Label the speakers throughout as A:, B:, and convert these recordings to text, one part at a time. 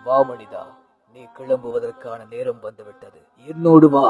A: வா மனிதா, நீ கிளம்புவதற்கான நேரம் வந்துவிட்டது. என்னோடு வா.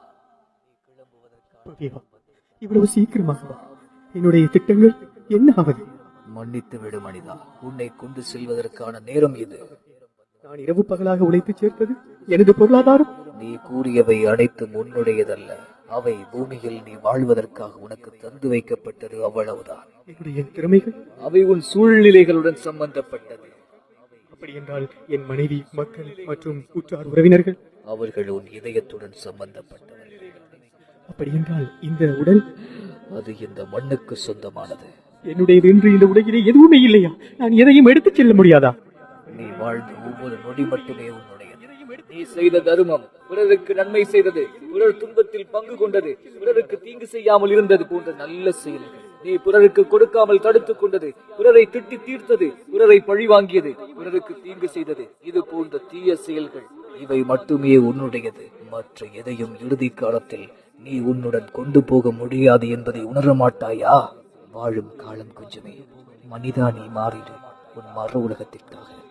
B: இவ்வளவு சீக்கிரமாக என்னுடைய திட்டங்கள் என்ன ஆவது?
A: மன்னித்து விடு மனிதா, உன்னை கொண்டு செல்வதற்கான நேரம் இது.
B: நான் இரவு பகலாக உழைத்து சேர்த்தது எனது பொருளாதாரம்.
A: நீ கூறியவை அனைத்தும் உன்னுடையதல்ல. அவை பூமியில் நீ வாழ்வதற்காக உனக்கு தந்து வைக்கப்பட்டது, அவ்வளவுதான்.
B: என்னுடைய திறமைகள்
A: அவை உன் சூழ்நிலைகளுடன் சம்பந்தப்பட்டது.
B: அப்படி என்றால் என் மனைவி, மக்கள் மற்றும் உற்றார் உறவினர்கள்
A: அவர்கள் உன் இதயத்துடன் சம்பந்தப்பட்டவர்கள்.
B: அப்படி என்றால் இந்த உடல்,
A: அது இந்த மண்ணுக்கு சொந்தமானது.
B: என்னுடையது என்று இந்த உலகிலே எதுவுமே இல்லையா? நான் எதையும் எடுத்துச் செல்ல முடியாதா?
A: நீ வாழ்ந்த ஒவ்வொரு நொடி மட்டுமே உன்னுடையது. நீ செய்த தர்மம், பிறருக்கு நன்மை செய்தது, பிறர் துன்பத்தில் பங்கு கொண்டது, பிறருக்கு தீங்கு செய்யாமல் இருந்தது போன்ற நல்ல செயல்கள், நீ பிறருக்கு கொடுக்காமல் தடுத்துக் கொண்டது, பிறரை திட்டி தீர்த்தது, பிறரை பழி வாங்கியது, பிறருக்கு தீங்கு செய்தது, இது போன்ற தீய செயல்கள், இவை மட்டுமே உன்னுடையது. மற்ற எதையும் இறுதி காலத்தில் நீ உன்னுடன் கொண்டு போக முடியாது என்பதை உணர மாட்டாயா? வாழும் காலம் கொஞ்சமே. மனிதா, நீ மாறிடு உன் மறு உலகத்திற்காக.